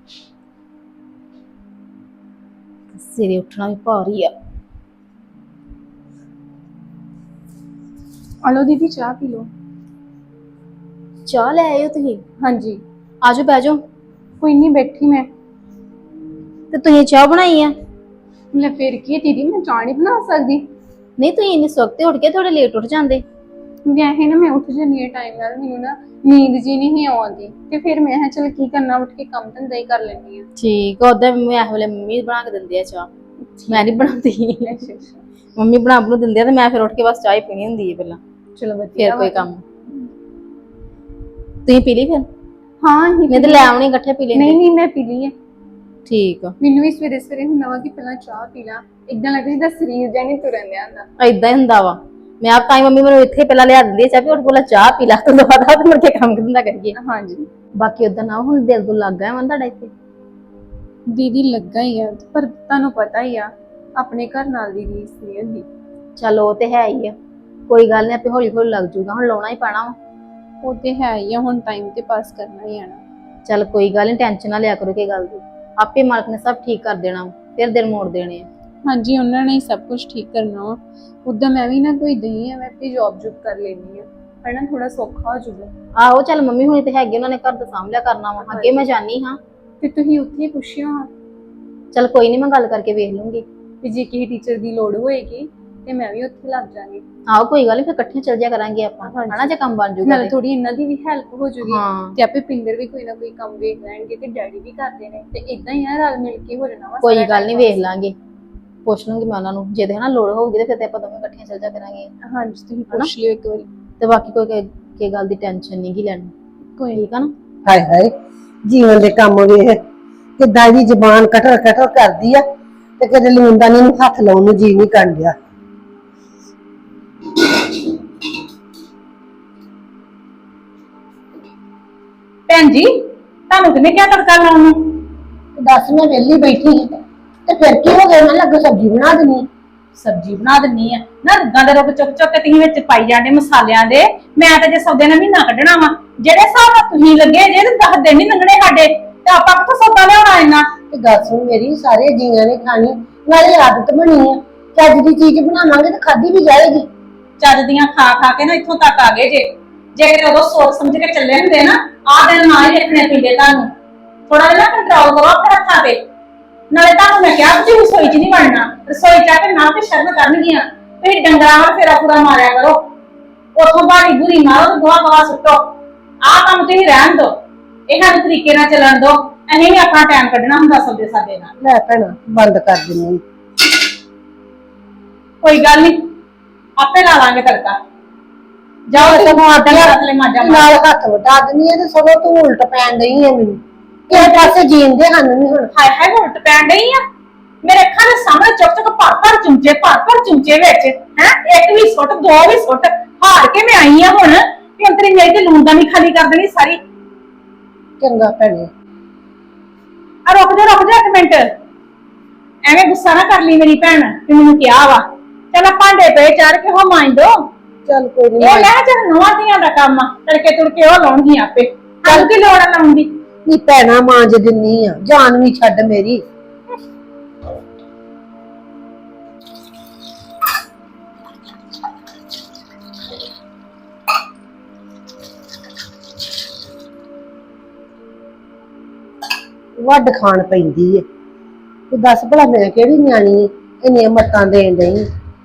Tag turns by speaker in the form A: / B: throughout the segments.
A: ਸਵੇਰੇ ਉੱਠਣਾ ਵੀ ਭਾਰੀ ਆ।
B: ਆਲੋ दीदी चाह पी लो।
A: ਚਾਹ ਲੈ ਆਇਓ ਤੁਸੀਂ?
B: हाँ जी
A: ਆਜੋ ਬਹਿ ਜਾਓ।
B: कोई नहीं बैठी मैं।
A: ਤੇ ਤੁਸੀਂ ਚਾਹ ਬਣਾਈ ਆ?
B: ले फिर की दीदी मैं चाह नहीं बना सकती।
A: ਨਹੀਂ ਤੁਸੀਂ ਇੰਨੀ ਸਵਖਤੇ ਉੱਠ ਕੇ ਥੋੜੇ ਲੇਟ ਉੱਠ ਜਾਂਦੇ।
B: ਵੈਸੇ ਨਾ ਮੈਂ ਉੱਠ ਜਾਂਦੀ ਹਾਂ ਟਾਈਮ ਨਾਲ, ਮੈਨੂੰ ਨਾ ਨੀਂਦ ਜੀ ਨਹੀਂ ਆਉਂਦੀ ਤੇ ਫਿਰ ਮੈਂ ਕਿਹਾ ਚਲ ਕੀ ਕਰਨਾ, ਉੱਠ ਕੇ ਕੰਮ ਧੰਦਾ ਹੀ ਕਰ ਲੈਂਦੀ ਹਾਂ।
A: ਠੀਕ ਆ। ਉਦਾਂ ਮੈਂ ਇਸ ਵੇਲੇ ਮੰਮੀ ਬਣਾ ਕੇ ਦਿੰਦੇ ਆ ਚਾਹ, ਮੈਂ ਨਹੀਂ ਬਣਾਉਂਦੀ।
B: ਅੱਛਾ ਅੱਛਾ
A: ਮੰਮੀ ਬਣਾ ਦਿੰਦੇ ਆ ਤੇ ਮੈਂ ਫਿਰ ਉੱਠ ਕੇ ਬਸ ਚਾਹ ਹੀ ਪੀਣੀ ਹੁੰਦੀ ਹੈ ਪਹਿਲਾਂ,
B: ਚਲੋ ਵਧੀਆ।
A: ਫਿਰ ਕੋਈ ਕੰਮ। ਤੁਸੀਂ ਪੀ ਲਈ ਫਿਰ?
B: ਹਾਂ ਹੀ
A: ਮੈਂ ਤੇ ਲੈ ਆਉਣੀ ਇਕੱਠੇ ਪੀ ਲੈਂਦੇ।
B: ਨਹੀਂ ਮੈਂ ਪੀ ਲਈ ਹੈ।
A: ਠੀਕ ਆ।
B: ਮੈਨੂੰ ਵੀ ਸਵੇਰੇ ਸਵੇਰੇ ਹੁੰਦਾ ਵਾ ਕਿ ਪਹਿਲਾਂ ਚਾਹ ਪੀ ਲਾਂ, ਇਦਾਂ ਲੱਗਦਾ ਜਿੱਦਾਂ ਸਰੀਰ ਜਾਂ ਨਹੀਂ ਤੁਰਨ ਦਿਆ ਹੁੰਦਾ।
A: ਏਦਾਂ ਹੀ ਹੁੰਦਾ ਵਾ। ਮੈਂ ਆਪ ਤਾਂ ਮੰਮੀ ਮੈਨੂੰ ਇੱਥੇ ਪਹਿਲਾਂ ਲਿਆ ਦਿੰਦੀ ਆ ਚਾਹ, ਵੀ ਉੱਠ ਪਹਿਲਾਂ ਚਾਹ ਪੀ ਲਾ, ਤੋਂ ਬਾਅਦ ਤੇ ਮੁੜ ਕੇ ਕੰਮ ਕਿੰਨਾ ਕਰੀਏ।
B: ਹਾਂਜੀ
A: ਬਾਕੀ ਉਦਾਂ ਨਾ ਹੁਣ ਦਿਲ ਤੋਂ ਲੱਗ ਗਿਆ ਵਾ ਤੁਹਾਡਾ ਇੱਥੇ?
B: ਦੀਦੀ ਲੱਗਾ ਹੀ ਆ, ਪਰ ਤੁਹਾਨੂੰ ਪਤਾ ਹੀ ਆ ਆਪਣੇ ਘਰ ਨਾਲ ਦੀ ਰੀਸ ਨਹੀਂ ਹੁੰਦੀ।
A: ਚਲੋ ਉਹ ਤੇ ਹੈ ਹੀ ਆ, ਕੋਈ ਗੱਲ ਨਹੀਂ, ਆਪੇ ਹੌਲੀ ਹੌਲੀ ਲੱਗ ਜੂਗਾ। ਹੁਣ ਲਾਉਣਾ ਹੀ ਪੈਣਾ ਵਾ।
B: ਉਹ ਤੇ ਹੈ ਹੀ ਆ, ਹੁਣ ਟਾਈਮ ਤੇ ਪਾਸ ਕਰਨਾ ਹੀ ਆਣਾ।
A: ਚੱਲ ਕੋਈ ਗੱਲ ਨਹੀਂ, ਟੈਨਸ਼ਨ ਨਾ ਲਿਆ ਕਰੋ ਕਿ ਗੱਲ ਦੀ, ਆਪੇ ਮਾਲਕ ਨੇ ਸਭ ਠੀਕ ਕਰ ਦੇਣਾ, ਫਿਰ ਦਿਨ ਮੋੜ ਦੇਣੇ ਆ।
B: ਹਾਂਜੀ ਉਹਨਾਂ ਨੇ ਹੀ ਸਭ ਕੁਝ ਠੀਕ ਕਰਨਾ ਵਾ। ਉਦਾਂ ਮੈਂ ਵੀ ਨਾ ਕੋਈ ਦਈ ਆ, ਮੈਂ ਆਪਣੀ ਜੌਬ ਜੁਬ ਕਰ ਲੈਣੀ ਆ, ਹਨਾ ਥੋੜਾ ਸੌਖਾ ਹੋ ਜਾਊਗਾ।
A: ਆਹੋ ਚੱਲ ਮੰਮੀ ਹੁਣੀ ਤੇ ਹੈਗੇ, ਉਹਨਾਂ ਨੇ ਘਰ ਦਾ ਸਾਂਭ ਲਿਆ ਕਰਨਾ ਵਾ। ਅੱਗੇ ਮੈਂ ਜਾਣੀ ਹਾਂ
B: ਤੇ ਤੁਸੀਂ ਉੱਥੇ ਹੀ ਪੁੱਛਿਓ ਹਾਂ।
A: ਚੱਲ ਕੋਈ ਨਹੀਂ, ਮੈਂ ਗੱਲ ਕਰਕੇ ਵੇਖ ਲੂੰਗੀ।
B: ਤੇ ਜੇ ਕਿਸੇ ਟੀਚਰ ਦੀ ਲੋੜ ਹੋਏਗੀ ਤੇ ਮੈਂ ਵੀ ਉੱਥੇ ਲੱਗ ਜਾਵਾਂਗੀ।
A: ਆਹੋ ਕੋਈ ਗੱਲ ਨਹੀਂ, ਫਿਰ ਇਕੱਠੇ ਚੱਲ ਜਾ ਕਰਾਂਗੇ ਆਪਾਂ, ਹਨਾ, ਜੇ ਕੰਮ ਬਣ ਜੂਗਾ।
B: ਨਾਲੇ ਥੋੜੀ ਇਹਨਾਂ ਦੀ ਵੀ ਹੈਲਪ ਹੋ ਜੂਗੀ
A: ਹਾਂ
B: ਤੇ ਆਪੇ ਪਿੰਦਰ ਵੀ ਕੋਈ ਨਾ ਕੋਈ ਕੰਮ ਵੇਖ ਲੈਣਗੇ ਤੇ ਡੈਡੀ ਵੀ ਕਰਦੇ ਨੇ, ਤੇ ਇਦਾਂ ਹੀ ਆ ਰਲ ਮਿਲ ਕੇ ਹੋ ਜਾਣਾ ਵਾ।
A: ਕੋਈ ਗੱਲ ਨਹੀਂ, ਵੇਖ ਲਾਂਗੇ, ਪੁੱਛ ਲੂੰਗੀ ਮੈਂ ਉਹਨਾਂ ਨੂੰ। ਜੇ ਤੇ ਹਨਾ ਲੋੜ ਹੋਊਗੀ ਤੇ ਫਿਰ ਤੇ ਆਪਾਂ ਦੋਵੇਂ ਇਕੱਠੀਆਂ ਚੱਲ ਜਾ ਕਰਾਂਗੇ।
B: ਹਾਂਜੀ ਤੁਸੀਂ ਪੁੱਛ ਲਿਓ ਇੱਕ ਵਾਰੀ।
A: ਤੇ ਬਾਕੀ ਕੋਈ ਕੀ ਗੱਲ ਦੀ ਟੈਨਸ਼ਨ ਨਹੀਂ ਗੀ ਲੈਣੀ,
B: ਕੋਈ
A: ਠੀਕ ਆ ਨਾ?
C: ਹਾਏ ਹਾਏ, ਜੀਵਨ ਦੇ ਕੰਮ ਵੇਖ ਕਿੱਦਾਂ ਦੀ ਜ਼ਬਾਨ ਕਟਰ ਕਟਰ ਕਰਦੀ ਆ, ਤੇ ਕਦੇ ਲੂਣਦਾਨੀ ਨੂੰ ਹੱਥ ਲਾਉਣ ਨੂੰ ਜੀ ਨਹੀਂ ਕਰਨ ਡਿਆ।
D: ਭੈਣ ਜੀ ਤੁਹਾਨੂੰ ਕਿਹਨੇ ਕਿਹਾ ਤੜਕਾ ਲਾਉਣ ਨੂੰ?
C: ਦੱਸ, ਮੈਂ ਵਿਹਲੀ ਬੈਠੀ ਸੀ ਤੇ ਫਿਰ ਕੀ ਹੋ ਗਿਆ? ਮੈਂ ਲੱਗਾ ਸਬਜ਼ੀ ਬਣਾ ਦਿੰਨੀ।
D: ਸਬਜ਼ੀ ਬਣਾ ਦਿੰਨੀ ਆ ਨਾ, ਰੁੱਗਾਂ ਦੇ ਰੁੱਗ ਚੁੱਕ ਚੁੱਕ ਕੇ ਤੁਸੀਂ ਵਿੱਚ ਪਾਈ ਜਾਂਦੇ ਮਸਾਲਿਆਂ ਦੇ। ਮੈਂ ਤਾਂ ਜੇ ਸੌਦੇ ਨਾਲ ਮਹੀਨਾ ਕੱਢਣਾ ਵਾ, ਜਿਹੜੇ ਹਿਸਾਬ ਨਾਲ ਤੁਸੀਂ ਲੱਗੇ ਜੇ ਤੇ 10 ਦਿਨ ਨਹੀਂ ਲੰਘਣੇ ਸਾਡੇ, ਤੇ ਆਪਾਂ ਕਿੱਥੋਂ ਸੌਦਾ ਲਿਆਉਣਾ ਇੰਨਾ?
C: ਤੇ ਗੱਲ ਸੁਣ ਮੇਰੀ, ਸਾਰੇ ਜੀਆਂ ਨੇ ਖਾਣੀ, ਨਾਲੇ ਆਦਤ ਬਣੀ ਆ, ਚੱਜ ਦੀ ਚੀਜ਼ ਬਣਾਵਾਂਗੇ ਤੇ ਖਾਧੀ ਵੀ ਜਾਏਗੀ।
D: ਚੱਜ ਦੀਆਂ ਖਾ ਖਾ ਕੇ ਨਾ ਇੱਥੋਂ ਤੱਕ ਆ ਗਏ ਜੇ। ਜੇ ਕਿਤੇ ਉਦੋਂ ਸੋਚ ਸਮਝ ਕੇ ਚੱਲੇ ਹੁੰਦੇ ਨਾ, ਆਹ ਦਿਨ ਨਾ ਹੀ ਦੇਖਣੇ ਪੈਂਦੇ ਤੁਹਾਨੂੰ। ਥੋੜਾ ਜਿਹਾ ਕੰਟਰੋਲ ਕਰੋ ਆਪਣੇ ਹੱਥਾਂ ਤੇ। ਨਾਲੇ ਤੁਹਾਨੂੰ ਮੈਂ ਕਿਹਾ ਤੁਸੀਂ ਰਸੋਈ 'ਚ ਨਹੀਂ ਵੜਨਾ, ਰਸੋਈ 'ਚ ਆ ਕੇ ਨਾ ਤੇ ਸ਼ਰਮ ਕਰਨਗੀਆਂ। ਤੁਸੀਂ ਡੰਗਰਾਂ ਵੱਲ ਫੇਰਾ ਪੂਰਾ ਮਾਰਿਆ ਕਰੋ, ਉੱਥੋਂ ਬਾੜੀ ਬੁਰੀ ਮਾਰੋ ਤੇ ਗੋਹਾ ਗਵਾ ਸੁੱਟੋ। ਆਹ ਕੰਮ ਤੁਸੀਂ ਰਹਿਣ ਦਿਓ, ਇਹ ਸਾਨੂੰ ਤਰੀਕੇ ਨਾਲ ਚੱਲਣ ਦਿਓ। ਅਸੀਂ ਵੀ ਆਪਣਾ ਟਾਈਮ ਕੱਢਣਾ ਹੁੰਦਾ ਸੌਦੇ ਸਾਦੇ ਨਾਲ।
C: ਲੈ ਭੈਣਾ, ਬੰਦ ਕਰ ਦਿੰਨੀ।
D: ਕੋਈ ਗੱਲ ਨਹੀਂ, ਆਪੇ ਲਾ ਲਾਂਗੇ ਤੜਕਾ। ਜਾਓ ਤੇ ਥਲੇ ਮਾਜਾ
C: ਨਾਲ ਹੱਥ ਵਟਾ ਦਿੰਨੀ ਆ ਤੇ ਸਗੋਂ ਤੂੰ ਉਲਟ ਪੈਣ ਡਈ ਆ ਮੈਨੂੰ। ਕਿਸੇ ਪਾਸੇ ਜੀਣ ਦੇ ਸਾਨੂੰ ਨਹੀਂ ਹੁਣ।
D: ਹਾਏ ਹਾਏ, ਉਲਟ ਪੈਣ ਡਈ ਆ ਮੇਰੇ ਅੱਖਾਂ ਦੇ ਸਾਹਮਣੇ। ਚੁੱਕ ਚੁੱਕ ਭਰ ਭਰ ਚੁੰਚੇ ਵਿੱਚ ਹੈ, ਇੱਕ ਵੀ ਸੁੱਟ, ਦੋ ਵੀ ਸੁੱਟ। ਹਾਰ ਕੇ ਮੈਂ ਆਈ ਆ ਹੁਣ ਕਿ ਅੰਤਰੀ ਮੇਰੀ ਤੇ ਲੂਣ ਦਾ ਨਹੀਂ ਖਾਲੀ ਕਰ ਦੇਣੀ ਸਾਰੀ।
C: ਚੰਗਾ ਭੈਣੇ।
D: ਆ ਰੁਕ ਜਾ ਇੱਕ ਮਿੰਟ, ਐਵੇਂ ਗੁੱਸਾ ਨਾ ਕਰ ਲਈ ਮੇਰੀ ਭੈਣ ਕਿ ਮੈਨੂੰ ਕਿਹਾ ਵਾ। ਚੱਲ ਭਾਂਡੇ ਪਏ ਚਾਰ ਕੇ ਹੋ ਮਾਂਜ ਦੋ।
C: ਚੱਲ ਕੋਈ ਨੀ,
D: ਇਹ ਲੈ ਚੱਲ ਨਵਾਂ ਦੀਆਂ ਦਾ ਕੰਮ ਆ, ਤੜਕੇ ਤੁੜਕੇ ਉਹ ਲਾਉਣਗੀਆਂ ਆਪੇ। ਚੱਲ ਕੀ ਲੋੜ ਆ ਲਾਉਣ ਦੀ?
C: ਨੀ ਭੈਣਾ ਮਾਂਜ ਦਿੰਨੀ ਆ, ਜਾਨ ਵੀ ਛੱਡ ਮੇਰੀ। ਵੱਡ ਖਾਣ ਪੈਂਦੀ ਏ, ਤੇ ਦੱਸ ਭਲਾ ਮੈਂ ਕਿਹੜੀ ਨਿਆਣੀ ਏ ਇੰਨੀਆਂ ਮੱਤਾਂ ਦੇਣ ਡਈ।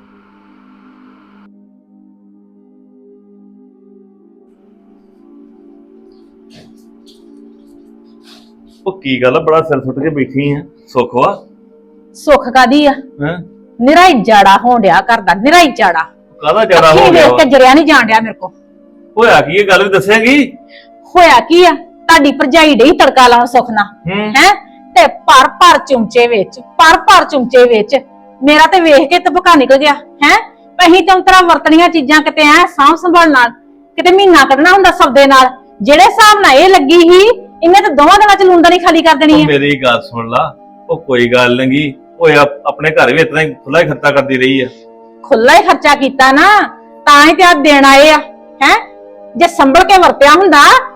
E: ਉਹ ਕੀ ਗੱਲ ਆ, ਬੜਾ ਸਿਰ ਸੁੱਟ ਕੇ ਬੈਠੀ ਆ? ਸੁੱਖ ਵਾ?
A: ਸੁੱਖ ਕਾਦੀ ਆ?
E: ਹੈ
A: ਨਿਰਾਈ ਜਾੜਾ ਹੋਣ ਡਿਆ ਕਰਦਾ, ਨਿਰਾਈ ਜਾੜਾ।
E: ਕਾਹਦਾ ਜ਼ਿਆਦਾ ਹੋ
A: ਅੱਖੀਂ
E: ਗਿਆ
A: ਵੇਖ
E: ਵਾ?
A: ਕੇ ਜਰਿਆ ਨਹੀਂ ਜਾਣ ਡਿਆ ਮੇਰੇ ਕੋ।
E: ਹੋਇਆ ਕੀ ਇਹ ਗੱਲ ਵੀ ਦੱਸੇਗੀ?
A: ਹੋਇਆ ਕੀ ਆ? ਤੁਹਾਡੀ ਭਰਜਾਈ ਡਈ ਤੜਕਾ ਲਾਉਣ ਸੁੱਖ ਨਾਲ ਹੈ, ਤੇ ਭਰ ਚੁੰਚੇ ਵਿੱਚ ਮੇਰਾ ਤੇ ਵੇਖ ਕੇ ਤਬਕਾ ਨਿਕਲ ਗਿਆ ਹੈ। ਅਹੀਂ ਤਾਂ ਤਰਾ ਵਰਤਣੀਆਂ ਚੀਜ਼ਾਂ ਕਿਤੇ ਐ ਸਾਂਭ ਸੰਭਾਲ ਨਾਲ, ਕਿਤੇ ਮਹੀਨਾ ਕੱਢਣਾ ਹੁੰਦਾ ਸੌਦੇ ਨਾਲ। ਜਿਹੜੇ ਹਿਸਾਬ ਨਾਲ ਇਹ ਲੱਗੀ ਸੀ, ਇਹਨੇ ਤਾਂ ਦੋਵਾਂ ਦਿਨਾਂ ਚ ਲੂੰਦਾ ਨਹੀਂ ਖਾਲੀ ਕਰ ਦੇਣੀ ਹੈ।
E: ਮੇਰੀ ਗੱਲ ਸੁਣ ਲਾ, ਉਹ ਕੋਈ ਗੱਲ ਨਹੀਂ, ਉਹ ਆਪਣੇ ਘਰ ਵੀ ਇਤਨਾ ਹੀ ਖੁੱਲਾ ਹੀ ਖਰਚਾ ਕਰਦੀ ਰਹੀ ਆ।
A: ਖੁੱਲਾ ਹੀ ਖਰਚਾ ਕੀਤਾ ਨਾ, ਤਾਂ ਹੀ ਤੇ ਆ ਦੇਣ ਆਏ ਆ ਹੈ। ਜੇ ਸੰਭਲ ਕੇ ਵਰਤਿਆ ਹੁੰਦਾ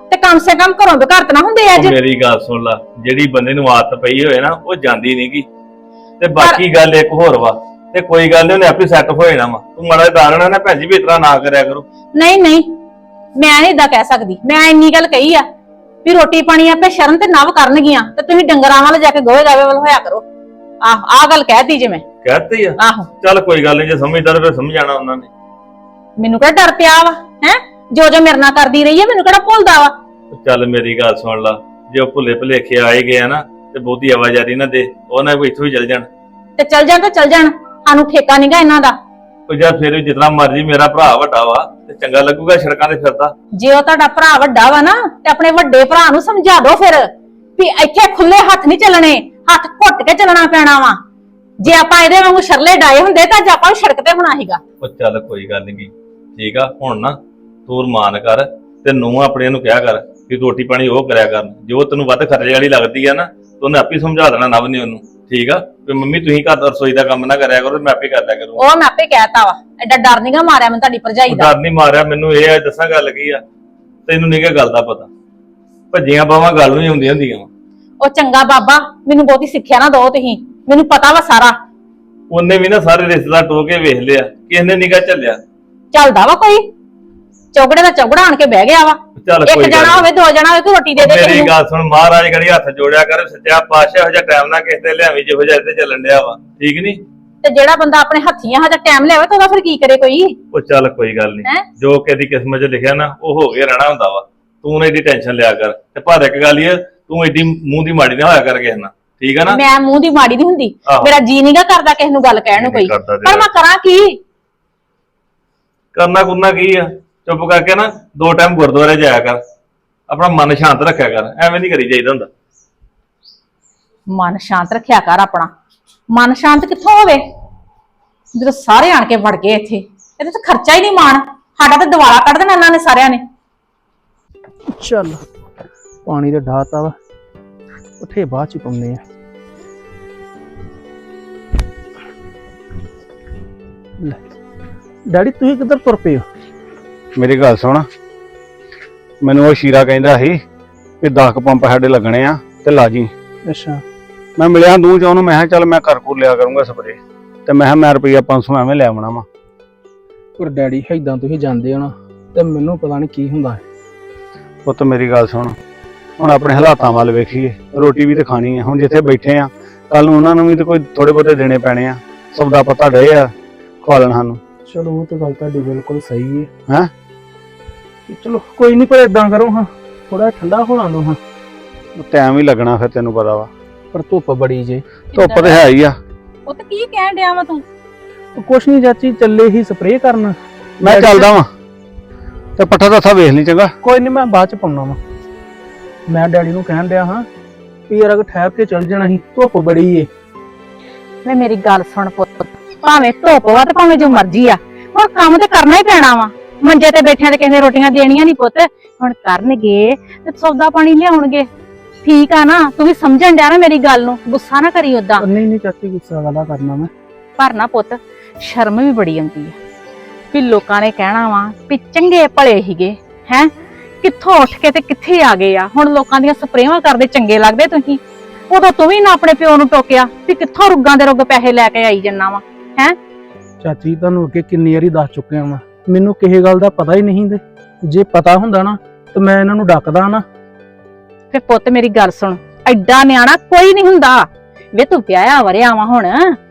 A: ਤੇ ਕਮ ਸੇ ਕਮ ਘਰੋਂ ਬਘਾਰਤ ਨਾ ਹੁੰਦੇ ਅੱਜ।
E: ਉਹ ਮੇਰੀ ਗੱਲ ਸੁਣ ਲਾ, ਜਿਹੜੀ ਬੰਦੇ ਨੂੰ ਆਦਤ ਪਈ ਹੋਏ ਨਾ ਉਹ ਜਾਂਦੀ ਨਹੀਂਗੀ। ਤੇ ਬਾਕੀ ਗੱਲ ਇੱਕ ਹੋਰ ਵਾ, ਤੇ ਕੋਈ ਗੱਲ ਨੀ, ਉਹਨੇ ਆਪੇ ਸੈੱਟ ਹੋ ਜਾਣਾ ਵਾ। ਤੂੰ ਮਾੜਾ ਦਾਰਣਾ ਨਾ ਭੈਣ ਜੀ ਵੀ ਇਤਨਾ ਨਾ ਕਰਿਆ ਕਰੋ।
A: ਨਹੀਂ ਨਹੀਂ, ਮੈਂ ਨਹੀਂ ਇਦਾਂ ਕਹਿ ਸਕਦੀ। ਮੈਂ ਇੰਨੀ ਗੱਲ ਕਹੀ ਆ ਵੀ ਰੋਟੀ ਪਾਣੀ ਆਪੇ ਸ਼ਰਨ ਤੇ ਨਵ ਕਰਨਗੀਆਂ, ਤੇ ਤੁਸੀਂ ਡੰਗਰਾਂ ਵੱਲ ਜਾ ਕੇ ਗੋਹੇ ਗਾਵੇ ਵੱਲ ਹੋਇਆ ਕਰੋ। ਆਹ ਗੱਲ ਕਹਿਤੀ ਜੇ ਮੈਂ।
E: ਕਹਿਤੀ ਆ?
A: ਆਹੋ,
E: ਚੱਲ ਕੋਈ ਗੱਲ ਨਹੀਂ, ਜੇ ਸਮਝਦਾ ਤਾਂ ਫਿਰ ਸਮਝਾਣਾ ਉਹਨਾਂ ਨੇ।
A: ਮੈਨੂੰ ਕਿਹੜਾ ਡਰ ਪਿਆ ਵਾ ਹੈ? ਜੋ ਜੋ ਮੇਰੇ ਨਾਲ ਕਰਦੀ ਰਹੀ ਹੈ, ਮੈਨੂੰ ਕਿਹੜਾ ਭੁੱਲਦਾ ਵਾ?
E: ਚੱਲ ਮੇਰੀ ਗੱਲ ਸੁਣ ਲਾ, ਜੇ ਉਹ ਭੁੱਲੇ ਭੁਲੇਖੇ ਆਏ ਗਏ ਆ ਨਾ, ਤੇ ਬਹੁਤੀ ਆਵਾਜ਼ਾਰੀ ਨਾ ਦੇ, ਉਹਨਾਂ ਕੋਈ ਇੱਥੋਂ ਹੀ ਚੱਲ ਜਾਣ।
A: ਤੇ ਚੱਲ ਜਾਣ, ਸਾਨੂੰ ਠੇਕਾ ਨਹੀਂਗਾ ਇਹਨਾਂ ਦਾ।
E: ਉਹ ਜਾਂ ਫਿਰ ਵੀ ਜਿਤਨਾ ਮਰਜੀ, ਮੇਰਾ ਭਰਾ ਵੱਡਾ ਵਾ ਤੇ ਚੰਗਾ ਲੱਗੂਗਾ ਸੜਕਾਂ ਤੇ ਫਿਰਦਾ।
A: ਜੇ ਉਹ ਤੁਹਾਡਾ ਭਰਾ ਵੱਡਾ ਵਾ ਨਾ, ਤੇ ਆਪਣੇ ਵੱਡੇ ਭਰਾ ਨੂੰ ਸਮਝਾ ਦਿਓ ਫਿਰ ਵੀ ਇੱਥੇ ਖੁੱਲੇ ਹੱਥ ਨਹੀਂ ਚੱਲਣੇ, ਹੱਥ ਘੁੱਟ ਕੇ ਚੱਲਣਾ ਪੈਣਾ ਵਾ। ਜੇ ਆਪਾਂ ਇਹਦੇ ਵਾਂਗੂ ਸ਼ਰਲੇ ਡਾਏ ਹੁੰਦੇ ਤਾਂ ਅੱਜ ਆਪਾਂ ਨੂੰ ਸੜਕ ਤੇ ਹੋਣਾ ਸੀਗਾ।
E: ਉਹ ਚੱਲ ਕੋਈ ਗੱਲ ਨਹੀਂ, ਠੀਕ ਆ। ਹੁਣ ਨਾ ਤੂੰ ਰਮਾਨ ਕਰ, ਤੇ ਨੂੰ ਆਪਣੇ ਨੂੰ ਕਿਹਾ ਕਰ ਕਿ ਰੋਟੀ ਪਾਣੀ ਉਹ ਕਰਿਆ ਕਰਨ। ਜੋ ਤੈਨੂੰ ਵੱਧ ਖਰਚੇ ਵਾਲੀ ਲੱਗਦੀ ਆ ਨਾ, ਤੂੰ ਉਹਨੇ ਆਪੇ ਸਮਝਾ ਦੇਣਾ ਨਵ ਨੇ ਉਹਨੂੰ, ਠੀਕ ਆ? ਵੀ ਮੰਮੀ ਤੁਸੀਂ ਘਰ ਦਾ ਰਸੋਈ ਦਾ ਕੰਮ ਨਾ ਕਰਿਆ ਕਰੋ, ਮੈਂ ਆਪੇ ਕਰ ਲਿਆ ਕਰੂੰ।
A: ਉਹ ਮੈਂ ਆਪੇ ਕਹਿਤਾ ਵਾ, ਐਡਾ ਡਰ ਨਹੀਂਗਾ ਮਾਰਿਆ ਮੈਨੂੰ ਤੁਹਾਡੀ ਭਰਜਾਈ ਦਾ।
E: ਡਰ ਨਹੀਂ ਮਾਰਿਆ ਮੈਨੂੰ, ਇਹ ਆ ਦੱਸਾਂ ਗੱਲ ਕੀ ਆ, ਤੈਨੂੰ ਨਹੀਂ ਗੱਲ ਦਾ ਪਤਾ। ਭੱਜੀਆਂ ਬਾਵਾਂ ਗੱਲ ਨਹੀਂ ਹੁੰਦੀਆਂ ਹੁੰਦੀਆਂ।
A: ਉਹ ਚੰਗਾ ਬਾਬਾ, ਮੈਨੂੰ ਬਹੁਤੀ ਸਿੱਖਿਆ ਨਾ ਦਿਓ ਤੁਸੀਂ, ਮੈਨੂੰ ਪਤਾ ਵਾ ਸਾਰਾ।
E: ਉਹਨੇ ਵੀ ਨਾ ਸਾਰੇ ਰਿਸ਼ਤੇਦਾਰ ਟੋ ਕੇ ਵੇਖ ਲਿਆ, ਕਿਸੇ ਨੇ ਨਿਗਾ ਝੱਲਿਆ।
A: ਚੱਲਦਾ ਵਾ ਕੋਈ ਚੌਗੜੇ ਦਾ ਚੌਗੜਾ ਆਣ ਕੇ ਬਹਿ ਗਿਆ ਵਾ।
E: ਚੱਲ
A: ਇੱਕ
E: ਕੋਈ ਗੱਲ
A: ਜਣਾ ਹੋਵੇ, ਦੋ ਜਣਾ ਹੋਵੇ, ਕੋਈ ਰੋਟੀ ਦੇ ਦੇ
E: ਮੇਰੀ
A: ਕਿਸੇ ਨੂੰ।
E: ਗੱਲ ਸੁਣ, ਮਹਾਰਾਜ ਕਰੀ ਹੱਥ ਜੋੜਿਆ ਕਰ, ਸੱਚਾ ਪਾਤਸ਼ਾਹ ਇਹੋ ਜਿਹਾ ਟਾਈਮ ਨਾ ਕਿਸੇ ਤੇ ਲਿਆਵੀਂ ਜਿਹੋ ਜਿਹਾ ਇੱਥੇ ਚੱਲਣ ਡਿਆ ਵਾ, ਠੀਕ ਨੀ?
A: ਤੇ ਜਿਹੜਾ ਬੰਦਾ ਆਪਣੇ ਹੱਥੀਆਂ ਹਜਾ ਟਾਈਮ ਲਿਆਵੇ ਤਾਂ ਉਹਦਾ ਫਿਰ ਕੀ ਕਰੇ ਕੋਈ?
E: ਉਹ ਚੱਲ ਕੋਈ ਗੱਲ ਨਹੀਂ, ਜੋ ਕਿਸੇ ਕਿਸਮਤ 'ਚ ਲਿਖਿਆ ਨਾ ਉਹ ਹੋ ਕੇ ਰਹਿਣਾ ਹੁੰਦਾ ਵਾ। ਤੂੰ ਨਾ ਇਹਦੀ ਟੈਨਸ਼ਨ ਲਿਆ ਕਰ। ਤੇ ਪਰ ਇੱਕ ਗੱਲ ਇਹ, ਤੂੰ ਏਡੀ ਮੂੰਹ ਦੀ ਮਾੜੀ ਨਾ ਹੋਇਆ ਕਰ ਕਿਸੇ ਨਾਲ, ਠੀਕ ਆ ਨਾ?
A: ਮੈਂ ਮੂੰਹ ਦੀ ਮਾੜੀ ਨਹੀਂ ਹੁੰਦੀ,
E: ਆਹੋ।
A: ਮੇਰਾ ਜੀ ਨਹੀਂਗਾ ਕਰਦਾ ਕਿਸੇ ਨੂੰ ਗੱਲ ਕਹਿਣ ਨੂੰ ਕੋਈ,
E: ਕਰਦਾ
A: ਪਰ ਮੈਂ ਕਰਾਂ ਕੀ?
E: ਕਰਨਾ ਕੁਰਨਾ ਕੀ ਆ? ਚੁੱਪ ਕਰਕੇ ਨਾ 2 ਟਾਈਮ ਗੁਰਦੁਆਰੇ ਜਾਇਆ ਕਰ, ਆਪਣਾ ਮਨ ਸ਼ਾਂਤ ਰੱਖਿਆ ਕਰ। ਐਵੇਂ ਨਹੀਂ ਕਰੀ ਜਾਈਦਾ ਹੁੰਦਾ।
A: ਮਨ ਸ਼ਾਂਤ ਰੱਖਿਆ ਕਰ ਆਪਣਾ। ਮਨ ਸ਼ਾਂਤ ਕਿੱਥੋਂ ਹੋਵੇ ਜਦੋਂ ਸਾਰੇ ਆਣ ਕੇ ਵੜ ਗਏ ਇੱਥੇ? ਇਹਦੇ ਤੇ ਖਰਚਾ ਹੀ ਨਹੀਂ ਮਾਣ, ਸਾਡਾ ਤਾਂ ਦਿਵਾਲਾ ਕੱਢ ਦੇਣਾ ਇਹਨਾਂ ਨੇ ਸਾਰਿਆਂ ਨੇ।
F: ਚੱਲ ਪਾਣੀ ਤੇ ਢਾਤਾ ਵਾ, ਉੱਥੇ ਬਾਅਦ ਚ ਪਾਉਂਦੇ ਆ। ਲੈ ਡੈਡੀ, ਤੁਸੀਂ ਕਿੱਧਰ ਤੁਰ ਪਏ ਹੋ?
G: ਮੇਰੀ ਗੱਲ ਸੁਣ, ਮੈਨੂੰ ਉਹ ਸ਼ੀਰਾ ਕਹਿੰਦਾ ਸੀ ਕਿ 10 ਪੰਪ ਸਾਡੇ ਲੱਗਣੇ ਆ ਤੇ ਲਾ ਜੀ।
F: ਅੱਛਾ।
G: ਮੈਂ ਮਿਲਿਆ ਦੂੰ ਚ ਉਹਨੂੰ, ਮੈਂ ਕਿਹਾ ਚੱਲ ਮੈਂ ਘਰ ਕੋਲ ਲਿਆ ਕਰੂੰਗਾ ਸਪਰੇ, ਤੇ ਮੈਂ ਕਿਹਾ ਮੈਂ ਰੁਪਈਆ 500 ਐਵੇਂ ਲੈ ਆਉਣਾ ਵਾ।
F: ਪਰ ਡੈਡੀ ਏਦਾਂ ਤੁਸੀਂ ਜਾਂਦੇ ਹੋ ਨਾ, ਤੇ ਮੈਨੂੰ ਪਤਾ ਨਹੀਂ ਕੀ ਹੁੰਦਾ ਹੈ।
G: ਪੁੱਤ ਮੇਰੀ ਗੱਲ ਸੁਣ, ਹੁਣ ਆਪਣੇ ਹਾਲਾਤਾਂ ਵੱਲ ਵੇਖੀਏ, ਰੋਟੀ ਵੀ ਤੇ ਖਾਣੀ ਆ। ਹੁਣ ਜਿੱਥੇ ਬੈਠੇ ਆ, ਕੱਲ ਨੂੰ ਉਹਨਾਂ ਨੂੰ ਵੀ ਤੇ ਕੋਈ ਥੋੜੇ ਬਹੁਤੇ ਦੇਣੇ ਪੈਣੇ ਆ। ਸੌਦਾ ਪਤਾ ਡੇ ਆ ਖਵਾਲਣ ਸਾਨੂੰ।
F: ਚਲੋ ਉਹ ਤਾਂ ਗੱਲ ਤੁਹਾਡੀ ਬਿਲਕੁਲ ਸਹੀ ਹੈ।
G: ਹੈਂ?
F: ਚਲੋ ਕੋਈ ਨਹੀਂ, ਪਰ ਏਦਾਂ ਕਰੋ ਹਾਂ, ਥੋੜਾ ਠੰਡਾ ਹੋਣਾ ਦੋ ਹਾਂ।
G: ਟਾਈਮ ਹੀ ਲੱਗਣਾ ਫਿਰ, ਤੈਨੂੰ ਪਤਾ ਵਾ।
F: ਪਰ ਧੁੱਪ ਬੜੀ ਜੇ।
G: ਧੁੱਪ ਤੇ ਹੈ ਹੀ ਆ।
A: ਉਹ ਤੇ ਕੀ ਕਹਿਣ ਡਿਆ ਵਾ ਤੂੰ?
F: ਕੁਛ ਨਹੀਂ ਚਾਚੀ, ਚੱਲੇ ਹੀ ਸਪਰੇਅ ਕਰਨ।
G: ਮੈਂ ਚੱਲਦਾ ਵਾਂ, ਤੇ ਪੱਠਾ ਦੱਥਾ ਵੇਖ ਲਈ ਚੰਗਾ।
F: ਕੋਈ ਨਹੀਂ, ਮੈਂ ਬਾਅਦ ਚ ਪਾਉਣਾ ਵਾ। ਮੈਂ ਡੈਡੀ ਨੂੰ ਕਹਿਣ ਡਿਆ ਹਾਂ ਵੀ ਯਾਰ ਅਗਰ ਠਹਿਰ ਕੇ ਚੱਲ ਜਾਣਾ ਸੀ, ਧੁੱਪ ਬੜੀ ਏ।
A: ਵੇ ਮੇਰੀ ਗੱਲ ਸੁਣ ਪੁੱਤ, ਭਾਵੇਂ ਧੁੱਪ ਵਾ ਤੇ ਭਾਵੇਂ ਜੋ ਮਰਜ਼ੀ ਆ, ਹੁਣ ਕੰਮ ਤੇ ਕਰਨਾ ਹੀ ਪੈਣਾ ਵਾ। ਮੰਜੇ ਤੇ ਬੈਠਿਆਂ ਤੇ ਕਿਸੇ ਨੇ ਰੋਟੀਆਂ ਦੇਣੀਆਂ ਨਹੀਂ ਪੁੱਤ, ਹੁਣ ਕਰਨਗੇ ਤੇ ਸੌਦਾ ਪਾਣੀ ਲਿਆਉਣਗੇ, ਠੀਕ ਆ ਨਾ? ਤੂੰ ਵੀ ਸਮਝਣ ਡਿਆ ਨਾ ਮੇਰੀ ਗੱਲ ਨੂੰ, ਗੁੱਸਾ ਨਾ ਕਰੀ ਓਦਾਂ।
F: ਨਹੀਂ ਨਹੀਂ ਚਾਚੀ, ਗੁੱਸਾ ਵਾਲਾ ਕਰਨਾ ਮੈਂ।
A: ਪਰ ਨਾ ਪੁੱਤ, ਸ਼ਰਮ ਵੀ ਬੜੀ ਆਉਂਦੀ ਆ ਵੀ ਲੋਕਾਂ ਨੇ ਕਹਿਣਾ ਵਾ ਵੀ ਚੰਗੇ ਭਲੇ ਹੀਗੇ, ਹੈ ਕਿੱਥੋਂ ਉੱਠ ਕੇ ਤੇ ਕਿੱਥੇ ਆ ਗਏ ਆ। ਹੁਣ ਲੋਕਾਂ ਦੀਆਂ ਸਪਰੇਵਾਂ ਕਰਦੇ ਚੰਗੇ ਲੱਗਦੇ ਤੁਸੀਂ, ਉਦੋਂ ਤੂੰ ਵੀ ਨਾ ਆਪਣੇ ਪਿਓ ਨੂੰ ਟੋਕਿਆ ਵੀ ਕਿੱਥੋਂ ਰੁੱਗਾਂ ਦੇ ਰੁੱਗ ਪੈਸੇ ਲੈ ਕੇ ਆਈ ਜੰਨਾ ਵਾ, ਹੈ?
F: ਚਾਚੀ ਤੁਹਾਨੂੰ ਅੱਗੇ ਕਿੰਨੀ ਵਾਰੀ ਦੱਸ ਚੁੱਕਿਆ ਵਾਂ, ਮੈਨੂੰ ਕਿਸੇ ਗੱਲ ਦਾ ਪਤਾ ਹੀ ਨਹੀਂ। ਤੇ ਜੇ ਪਤਾ ਹੁੰਦਾ ਨਾ ਤੇ ਮੈਂ ਇਹਨਾਂ ਨੂੰ ਡੱਕਦਾ ਨਾ।
A: ਫੇ ਪੁੱਤ ਮੇਰੀ ਗੱਲ ਸੁਣ, ਐਡਾ ਨਿਆਣਾ ਕੋਈ ਨਹੀਂ ਹੁੰਦਾ ਵੇ, ਤੂੰ ਵਿਆਹਿਆ ਵਰਿਆ ਵਾ ਹੁਣ।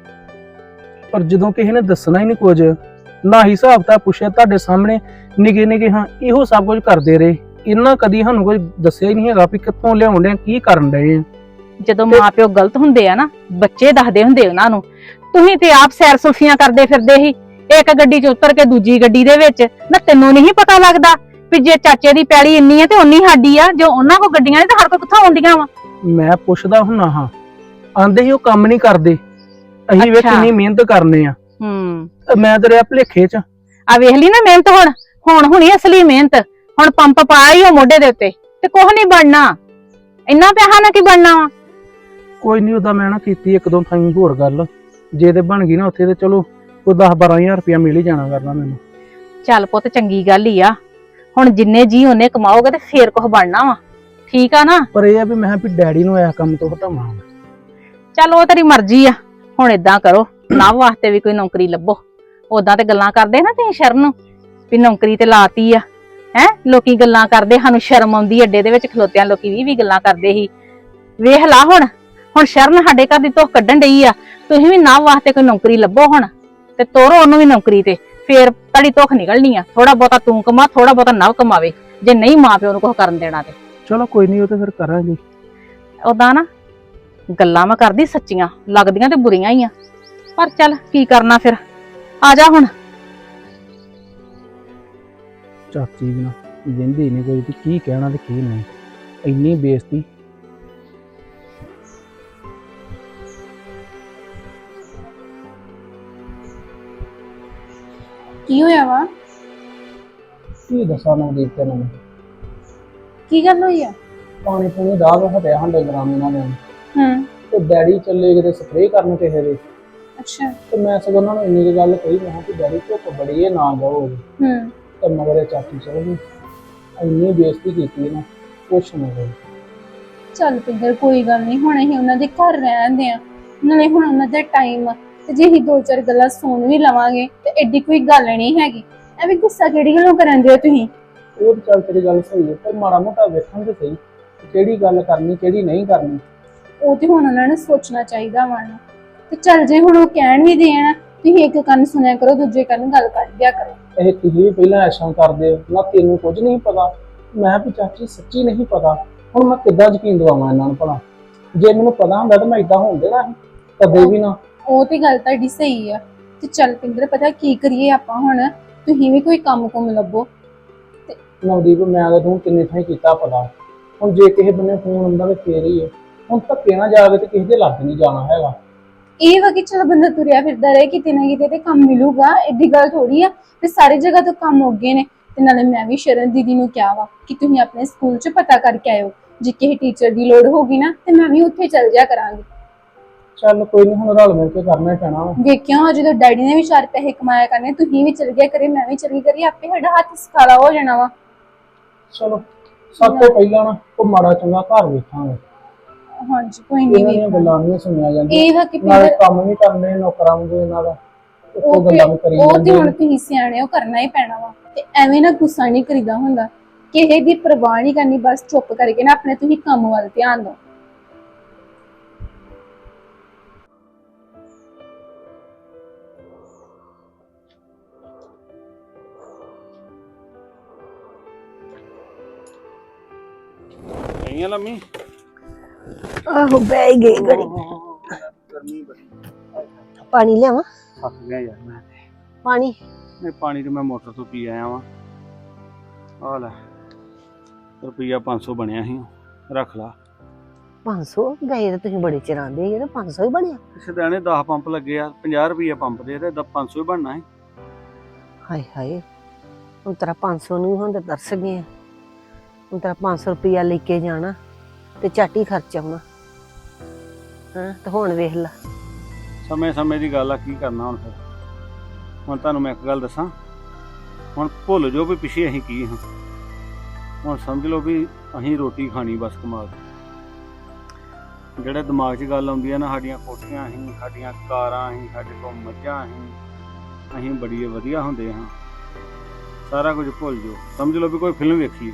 F: ਪਰ ਜਦੋਂ ਕਿਸੇ ਨੇ ਦੱਸਣਾ ਹੀ ਨਹੀਂ ਕੁਝ, ਨਾ ਹੀ ਹਿਸਾਬ ਤਾਂ ਪੁੱਛਿਆ, ਤੁਹਾਡੇ ਸਾਹਮਣੇ ਨਿੱਕੇ ਨਿੱਕੇ ਹਾਂ ਇਹੋ ਸਭ ਕੁਝ ਕਰਦੇ ਰਹੇ। ਇਹਨਾਂ ਕਦੀ ਸਾਨੂੰ ਕੁਝ ਦੱਸਿਆ ਹੀ ਨਹੀਂ ਹੈਗਾ ਵੀ ਕਿੱਥੋਂ ਲਿਆਉਣ ਦੇ, ਕੀ ਕਰਨ ਡਏ ਆ।
A: ਜਦੋਂ ਮਾਪਿਓ ਗਲਤ ਹੁੰਦੇ ਆ ਨਾ, ਬੱਚੇ ਦੱਸਦੇ ਹੁੰਦੇ ਉਹਨਾਂ ਨੂੰ। ਤੁਸੀਂ ਤੇ ਆਪ ਸੈਰ ਸੁਲਫੀਆਂ ਕਰਦੇ ਫਿਰਦੇ ਸੀ, ਇੱਕ ਗੱਡੀ 'ਚ ਉਤਰ ਕੇ ਦੂਜੀ ਗੱਡੀ ਦੇ ਵਿੱਚ। ਨਾ ਤੈਨੂੰ ਨਹੀਂ ਪਤਾ ਲੱਗਦਾ ਵੀ ਜੇ ਚਾਚੇ ਦੀ ਪੈਲੀ ਇੰਨੀ ਹੈ ਤੇ ਉਨੀ ਸਾਡੀ ਆ, ਜੋ ਉਹਨਾਂ ਕੋਲ ਗੱਡੀਆਂ ਨੇ ਤੇ ਸਾਡੇ ਕੋਲ ਕਿੱਥੋਂ ਆਉਂਦੀਆਂ ਵਾ?
F: ਮੈਂ ਪੁੱਛਦਾ ਹੁੰਨਾ ਹਾਂ, ਆਂਦੇ ਹੀ ਉਹ ਕੰਮ ਨਹੀਂ ਕਰਦੇ। ਅਸੀਂ ਵੇ
A: ਅੱਛਾ।
F: ਕਿੰਨੀ ਮਿਹਨਤ ਕਰਨੇ ਆ। ਮੈਂ ਤੇ ਰਿਹਾ ਭੁਲੇਖੇ 'ਚ।
A: ਆ ਵੇਖ ਲਈ ਨਾ ਮਿਹਨਤ, ਹੁਣ ਹੁਣੀ ਅਸਲੀ ਮਿਹਨਤ। ਹੁਣ ਪੰਪ ਪਾਇਆ ਹੀ ਉਹ ਮੋਢੇ ਦੇ ਉੱਤੇ ਤੇ ਕੁਝ ਨਹੀਂ ਬਣਨਾ, ਇੰਨਾ ਪੈਸਾ ਨਾ ਕੀ ਬਣਨਾ ਵਾ।
F: ਕੋਈ ਨਹੀਂ, ਉਹਦਾ ਮੈਂ ਨਾ ਕੀਤੀ ਇੱਕ ਦੋ ਥਾਈਂ ਹੋਰ ਗੱਲ, ਜੇ ਤੇ ਬਣ ਗਈ ਨਾ ਉੱਥੇ ਤੇ ਚਲੋ ਕੋਈ 10-12 ਹਜ਼ਾਰ ਰੁਪਇਆ ਮਿਲ ਹੀ ਜਾਣਾ ਕਰਨਾ ਮੈਨੂੰ।
A: ਚੱਲ ਪੁੱਤ ਚੰਗੀ ਗੱਲ ਹੀ ਆ, ਹੁਣ ਜਿੰਨੇ ਜੀ ਉਹਨੇ ਕਮਾਓਗੇ ਤੇ ਫੇਰ ਕੁਝ ਬਣਨਾ ਵਾ, ਠੀਕ ਆ ਨਾ।
F: ਪਰ ਇਹ ਆ ਵੀ ਮੈਂ ਵੀ ਡੈਡੀ ਨੂੰ ਇਸ ਕੰਮ ਤੋਂ ਹਟਾਵਾਂ।
A: ਚੱਲ ਉਹ ਤੇਰੀ ਮਰਜ਼ੀ ਆ। ਹੁਣ ਏਦਾਂ ਕਰੋ, ਨਵ ਵਾਸਤੇ ਵੀ ਕੋਈ ਨੌਕਰੀ ਲੱਭੋ। ਉਦਾਂ ਤੇ ਗੱਲਾਂ ਕਰਦੇ ਨਾ ਤੁਸੀਂ ਸ਼ਰਨ ਨੂੰ ਵੀ ਨੌਕਰੀ ਤੇ ਲਾਤੀ ਆ, ਹੈ ਲੋਕੀ ਗੱਲਾਂ ਕਰਦੇ, ਸਾਨੂੰ ਸ਼ਰਮ ਆਉਂਦੀ ਅੱਡੇ ਦੇ ਵਿੱਚ ਖਲੋਤਿਆਂ, ਲੋਕੀ ਵੀ ਗੱਲਾਂ ਕਰਦੇ ਸੀ। ਵੇਖ ਲਾ ਹੁਣ ਸ਼ਰਨ ਸਾਡੇ ਘਰ ਦੀ ਧੁੱਖ ਕੱਢਣ ਡਈ ਆ, ਤੁਸੀਂ ਵੀ ਨਵ ਵਾਸਤੇ ਕੋਈ ਨੌਕਰੀ ਲੱਭੋ ਹੁਣ ਤੇ ਤੋਰੋ ਉਹਨੂੰ ਵੀ ਨੌਕਰੀ ਤੇ, ਫੇਰ ਤੁਹਾਡੀ ਧੁੱਖ ਨਿਕਲਣੀ ਆ। ਥੋੜਾ ਬਹੁਤਾ ਤੂੰ ਕਮਾ, ਥੋੜਾ ਬਹੁਤਾ ਨਵ ਕਮਾਵੇ, ਜੇ ਨਹੀਂ ਮਾਂ ਪਿਓ ਨੂੰ ਕੁਝ ਕਰਨ ਦੇਣਾ ਤੇ।
F: ਚਲੋ ਕੋਈ ਨਹੀਂ, ਉਹ ਤੇ ਫਿਰ ਕਰਾਂਗੇ।
A: ਉਦਾਂ ਨਾ ਗੱਲਾਂ ਮੈਂ ਕਰਦੀ ਸੱਚੀਆਂ ਲੱਗਦੀਆਂ ਤੇ ਬੁਰੀਆਂ ਹੀ ਆ, ਪਰ ਚੱਲ ਕੀ ਕਰਨਾ ਫਿਰ। ਆ ਜਾ ਹੁਣ।
F: ਚਾਚੀ ਵੀ ਨਾ ਜਿੰਦੀ ਨਹੀਂ ਕੋਈ, ਤੇ ਕੀ ਕਹਿਣਾ ਤੇ ਕੀ ਨਹੀਂ, ਇੰਨੀ ਬੇਇੱਜ਼ਤੀ।
B: ਕੀ ਹੋਇਆ ਵਾ?
F: ਕੀ ਦੱਸਾਂ ਨਵਦੀਪ ਤੈਨੂੰ,
B: ਕੀ ਗੱਲ ਹੋਈ ਆ?
F: ਪਾਣੀ ਪੂਣੀ ਦਾਲ ਹਟਿਆ ਹਾਂ ਡੰਗਰਾਂ ਨੂੰ ਇਹਨਾਂ ਨੇ,
B: ਹੂੰ।
F: ਤੇ ਡੈਡੀ ਚੱਲੇ ਕਿਤੇ ਸਪਰੇਅ ਕਰਨ ਕਿਸੇ ਦੇ,
B: ਅੱਛਾ।
F: ਤੇ ਮੈਂ ਸਗੋਂ ਉਹਨਾਂ ਨੂੰ ਇੰਨੀ ਕੁ ਗੱਲ ਕਹੀ, ਮੈਂ ਕਿਹਾ ਕਿ ਡੈਡੀ ਧੁੱਪ ਬੜੀ ਹੈ ਨਾ ਜਾਓ।
B: ਹੂੰ।
F: ਤੇ ਮਗਰ ਇਹ ਚਾਚੀ ਚਲ ਗਈ, ਇੰਨੀ ਬੇਇੱਜ਼ਤੀ ਕੀਤੀ ਨਾ ਕੁਛ ਨਹੀਂ ਹੋਈ।
B: ਚੱਲ ਪਿੰਦਰ ਕੋਈ ਗੱਲ ਨਹੀਂ, ਹੁਣ ਅਸੀਂ ਉਹਨਾਂ ਦੇ ਘਰ ਰਹਿੰਦੇ ਆ, ਨਾਲੇ ਹੁਣ ਉਹਨਾਂ ਦਾ ਟਾਈਮ ਆ, ਤੇ ਜੇ ਅਸੀਂ ਦੋ ਚਾਰ ਗੱਲਾਂ ਸੁਣ ਵੀ ਲਵਾਂਗੇ ਤੇ ਐਡੀ ਕੋਈ ਗੱਲ ਨਹੀਂ ਹੈਗੀ। ਐਵੇਂ ਗੁੱਸਾ ਕਿਹੜੀ ਗੱਲੋਂ ਕਰਨ ਦਿਓ ਤੁਸੀਂ?
F: ਉਹ ਤਾਂ ਚੱਲ ਤੇਰੀ ਗੱਲ ਸਹੀ ਹੈ, ਪਰ ਮਾੜਾ ਮੋਟਾ ਵੇਖਣ ਤੇ ਸਹੀ ਕਿਹੜੀ ਗੱਲ ਕਰਨੀ ਕਿਹੜੀ ਨਹੀਂ ਕਰਨੀ।
B: ਉਹ ਤੇ ਹੁਣ ਉਹਨਾਂ ਨੂੰ ਸੋਚਣਾ ਚਾਹੀਦਾ ਵਾ ਨਾ। ਤੇ ਚੱਲ ਜੇ ਹੁਣ ਉਹ ਕਹਿਣ ਵੀ ਦੇਣ, ਤੁਸੀਂ ਇੱਕ ਕੰਨ ਸੁਣਿਆ ਕਰੋ, ਦੂਜੇ ਕੰਨ ਗੱਲ ਕੱਢ ਦਿਆ ਕਰੋ।
F: ਇਹ ਤੁਸੀਂ ਵੀ ਪਹਿਲਾਂ ਐਸ਼ਾਂ ਕਰਦੇ ਹੋ ਨਾ, ਤੈਨੂੰ ਕੁਝ ਨਹੀਂ ਪਤਾ। ਮੈਂ ਵੀ ਚਾਚੀ ਸੱਚੀ ਨਹੀਂ ਪਤਾ, ਹੁਣ ਮੈਂ ਕਿੱਦਾਂ ਯਕੀਨ ਦਿਵਾਵਾਂ ਇਹਨਾਂ ਨੂੰ ਭਲਾ? ਜੇ ਮੈਨੂੰ ਪਤਾ ਹੁੰਦਾ ਤਾਂ ਮੈਂ ਇਦਾਂ ਹੋਣ ਦੇਣਾ ਸੀ ਕਦੇ ਵੀ ਨਾ।
B: ਉਹ ਤੇ ਗੱਲ ਤੁਹਾਡੀ ਸਹੀ ਆ। ਤੇ ਚੱਲ ਪਿੰਦਰ ਪਤਾ ਕੀ ਕਰੀਏ ਆਪਾਂ ਹੁਣ, ਤੁਸੀਂ ਵੀ ਕੋਈ ਕੰਮ ਕੁਮ ਲੱਭੋ।
F: ਨਵਦੀਪ ਮੈਂ ਤਾਂ ਤੂੰ ਕਿੰਨੇ ਥਾਂ ਕੀਤਾ ਪਤਾ, ਹੁਣ ਜੇ ਕਿਸੇ ਬੰਨੇ ਫੋਨ ਆਉਂਦਾ ਤੇ ਫੇਰ ਹੀ ਹੈ। ਹੁਣ ਧੱਕੇ ਨਾ ਜਾ ਕੇ ਤੇ ਕਿਸੇ ਦੇ ਲੱਗ ਨਹੀਂ ਜਾਣਾ ਹੈਗਾ।
B: ਇਹ ਵਾ ਕਿ ਚਲ ਬੰਦਾ ਤੁਰਿਆ ਫਿਰਦਾ ਰਹੇ, ਕਿਤੇ ਨਾ ਕਿਤੇ ਤੇ ਕੰਮ ਮਿਲੂਗਾ। ਏਡੀ ਗੱਲ ਥੋੜੀ ਆ ਤੇ ਸਾਰੀ ਜਗ੍ਹਾ ਤੋਂ ਕੰਮ ਹੋ ਗਏ ਨੇ। ਤੇ ਨਾਲੇ ਮੈਂ ਵੀ ਸ਼ਰਨ ਦੀਦੀ ਨੂੰ ਕਿਹਾ ਵਾ ਕਿ ਤੁਸੀਂ ਆਪਣੇ ਸਕੂਲ 'ਚ ਪਤਾ ਕਰਕੇ ਆਇਓ, ਜੇ ਕਿਸੇ ਟੀਚਰ ਦੀ ਲੋੜ ਹੋਗੀ ਨਾ ਤੇ ਮੈਂ ਵੀ ਉੱਥੇ ਚੱਲ ਜਾ ਕਰਾਂਗੀ।
F: ਚੱਲ ਕੋਈ ਨਹੀਂ, ਹੁਣ ਰਲ ਮਿਲ ਕੇ ਕਰਨਾ ਹੀ ਪੈਣਾ ਵਾ।
B: ਵੇਖਿਓ ਜਦੋਂ ਡੈਡੀ ਨੇ ਵੀ 4 ਪੈਸੇ ਕਮਾਇਆ ਕਰਨੇ, ਤੁਸੀਂ ਵੀ ਚਲ ਗਿਆ ਕਰੇ, ਮੈਂ ਵੀ ਚਲੀ ਕਰੀ, ਆਪੇ ਸਾਡਾ ਹੱਥ ਸਕਾਲਾ ਹੋ ਜਾਣਾ ਵਾ।
F: ਚਲੋ ਸਭ ਤੋਂ ਪਹਿਲਾਂ ਨਾ ਉਹ ਮਾੜਾ ਚੰਗਾ ਘਰ ਵੇਖਾਂਗੇ।
B: ਹਾਂਜੀ ਕੋਈ ਨਹੀਂ,
F: ਇਹਨਾਂ ਦੀਆਂ ਗੱਲਾਂ ਨਹੀਂ ਸੁਣੀਆਂ ਜਾਂਦੀਆਂ,
B: ਇਹ ਵਾ ਕਿ
F: ਨਾਲੇ
B: ਪਿੰਦਰ
F: ਕੰਮ ਵੀ ਕਰਨੇ ਨੌਕਰਾਂ ਨੂੰ ਇਹਨਾਂ ਦਾ, ਉਹ
B: ਉਹ
F: ਗੱਲਾਂ ਵੀ ਕਰੀ
B: ਤੇ
F: ਜਾਂਦੇ
B: ਹੁਣ ਤੁਸੀਂ ਸਿਆਣੇ ਹੋ, ਕਰਨਾ ਹੀ ਪੈਣਾ ਵਾ। ਤੇ ਐਵੇਂ ਨਾ ਗੁੱਸਾ ਨਹੀਂ ਕਰੀਦਾ ਹੁੰਦਾ, ਕਿਸੇ ਦੀ ਪਰਵਾਹ ਨਹੀਂ ਕਰਨੀ, ਬਸ ਚੁੱਪ ਕਰਕੇ ਨਾ ਆਪਣੇ ਤੁਸੀਂ ਕੰਮ ਵੱਲ ਧਿਆਨ ਦਿਓ।
G: ਨਹੀਂ ਲੰਮੀ
C: ਆਹੋ ਬਹਿ ਗਈ ਘੜੀ।
G: ਗਰਮੀ ਬੜੀ,
C: ਪਾਣੀ ਲਿਆਵਾਂ?
G: ਥੱਕ ਗਿਆ ਯਾਰ ਮੈਂ।
C: ਪਾਣੀ
G: ਇਹ ਪਾਣੀ ਤੇ ਮੈਂ ਮੋਟਰ ਤੋਂ ਪੀ ਆਇਆ ਵਾਂ। ਆ ਲੈ ਰੁਪਈਆ 500 ਬਣਿਆ ਸੀ, ਰੱਖ ਲਾ।
C: 500 ਗਏ ਤਾਂ ਤੁਸੀਂ ਬੜੇ ਚਿਰਾਂਦੇ ਜਿਹੜੇ 500 ਹੀ ਬਣਿਆ।
G: ਸਦਾਣੇ 10 ਪੰਪ ਲੱਗੇ ਆ, 50 ਰੁਪਈਆ ਪੰਪ ਦੇ ਤੇ 500 ਹੀ ਬਣਨਾ ਸੀ।
C: ਹਾਏ ਹਾਏ, ਹੁਣ ਤੇਰਾ 500 ਨੂੰ ਹੁਣ ਤਾਂ ਤਰਸ ਗਏ ਆ। ਹੁਣ ਤੇਰਾ 500 ਰੁਪਇਆ ਲੈ ਕੇ ਜਾਣਾ ਤੇ ਝੱਟ ਹੀ ਖਰਚ ਆਉਣਾ। ਹਾਂ ਤੇ ਹੁਣ ਵੇਖ ਲਾ।
G: ਸਮੇਂ ਸਮੇਂ ਦੀ ਗੱਲ ਆ, ਕੀ ਕਰਨਾ ਹੁਣ ਫਿਰ। ਹੁਣ ਤੁਹਾਨੂੰ ਮੈਂ ਇੱਕ ਗੱਲ ਦੱਸਾਂ, ਹੁਣ ਭੁੱਲ ਜਾਓ ਵੀ ਪਿੱਛੇ ਅਸੀਂ ਕੀ ਹਾਂ। ਹੁਣ ਸਮਝ ਲਓ ਵੀ ਅਸੀਂ ਰੋਟੀ ਖਾਣੀ ਬਸ ਕਮਾ ਕੇ। ਜਿਹੜੇ ਦਿਮਾਗ 'ਚ ਗੱਲ ਆਉਂਦੀ ਆ ਨਾ, ਸਾਡੀਆਂ ਕੋਠੀਆਂ ਅਸੀਂ, ਸਾਡੀਆਂ ਕਾਰਾਂ ਅਸੀਂ, ਸਾਡੇ ਕੋਲ ਮੱਝਾਂ ਅਸੀਂ ਬੜੀ ਵਧੀਆ ਹੁੰਦੇ ਹਾਂ। ਸਾਰਾ ਕੁਝ ਭੁੱਲ ਜਾਓ, ਸਮਝ ਲਓ ਵੀ ਕੋਈ ਫਿਲਮ ਵੇਖੀਏ,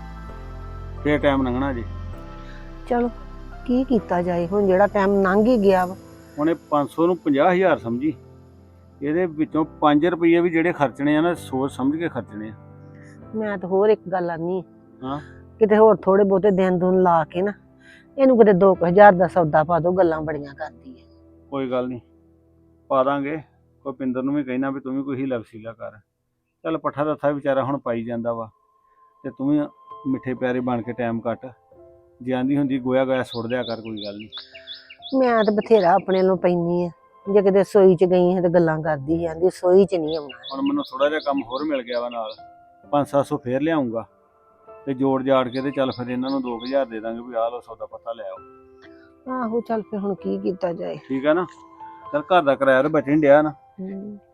G: ਫੇਰ ਟਾਈਮ ਲੰਘਣਾ ਜੇ।
C: ਚਲੋ ਕੀ ਕੀਤਾ ਜਾਏ, ਹੁਣ ਜਿਹੜਾ ਟਾਈਮ ਲੰਘ ਹੀ ਗਿਆ ਵਾ।
G: ਹੁਣ ਇਹ 500 ਨੂੰ 50,000 ਸਮਝੀ, ਇਹਦੇ ਵਿੱਚੋਂ 5 ਰੁਪਏ ਵੀ ਜਿਹੜੇ ਖਰਚਣੇ ਆ ਨਾ, ਸੋਚ ਸਮਝ ਕੇ ਖਰਚਣੇ ਆ।
C: ਮੈਂ ਤਾਂ ਹੋਰ ਇੱਕ ਗੱਲ ਆਨੀ
G: ਹਾਂ,
C: ਕਿਤੇ ਹੋਰ ਥੋੜੇ ਬਹੁਤੇ ਦਿਨ ਦੁਨ ਲਾ ਕੇ ਨਾ ਇਹਨੂੰ ਕਿਤੇ 2000 ਦਾ ਸੌਦਾ ਪਾ ਦੋ, ਗੱਲਾਂ ਬੜੀਆਂ ਕਰਦੀ ਹੈ।
G: ਕੋਈ ਗੱਲ ਨਹੀਂ, ਪਾ ਦਾਂਗੇ। ਕੋਈ ਪਿੰਦਰ ਨੂੰ ਵੀ ਕਹਿਣਾ ਵੀ ਤੂੰ ਵੀ ਕੋਈ ਹੀਲਾ ਵਸੀਲਾ ਕਰ। ਚੱਲ ਪੱਠਾ ਦੱਥਾ ਵਿਚਾਰਾ ਹੁਣ ਪਾਈ ਜਾਂਦਾ ਵਾ, ਤੇ ਤੂੰ ਵੀ ਮਿੱਠੇ ਪਿਆਰੇ ਬਣ ਕੇ ਟਾਈਮ ਕੱਟ। ਜੇ ਆਂਦੀ ਹੁੰਦੀ ਗੋਇਆ ਗਾਇਆ ਸੁੱਟ ਦਿਆ ਕਰ, ਕੋਈ ਗੱਲ ਨਹੀਂ।
C: ਮੈਂ ਤਾਂ ਬਥੇਰਾ ਆਪਣੇ ਨੂੰ ਪੈਂਦੀ ਆ, ਜੇ ਕਿਤੇ ਸੋਈ ਚ ਗਈ ਹਾਂ ਤੇ ਗੱਲਾਂ ਕਰਦੀ ਜਾਂਦੀ, ਸੋਈ ਚ ਨਹੀਂ ਆਉਣਾ।
G: ਹੁਣ ਮੈਨੂੰ ਥੋੜਾ ਜਿਹਾ ਕੰਮ ਹੋਰ ਮਿਲ ਗਿਆ ਵਾ ਨਾਲ, 500-700 ਫੇਰ ਲਿਆਉਂਗਾ ਤੇ ਜੋੜ ਜਾੜ ਕੇ ਤੇ ਚੱਲ ਫਿਰ ਇਹਨਾਂ ਨੂੰ 2000 ਦੇ ਦਾਂਗੇ ਵੀ ਆਹ ਲੋ ਸੌਦਾ ਪੱਤਾ ਲੈ ਆਓ।
C: ਆਹੋ ਚੱਲ ਫਿਰ ਹੁਣ ਕੀ ਕੀਤਾ ਜਾਏ।
G: ਠੀਕ ਆ ਨਾ, ਚੱਲ ਘਰ ਦਾ ਕਿਰਾਇਆ ਤਾਂ ਬਚਣ ਡਿਆ ਨਾ।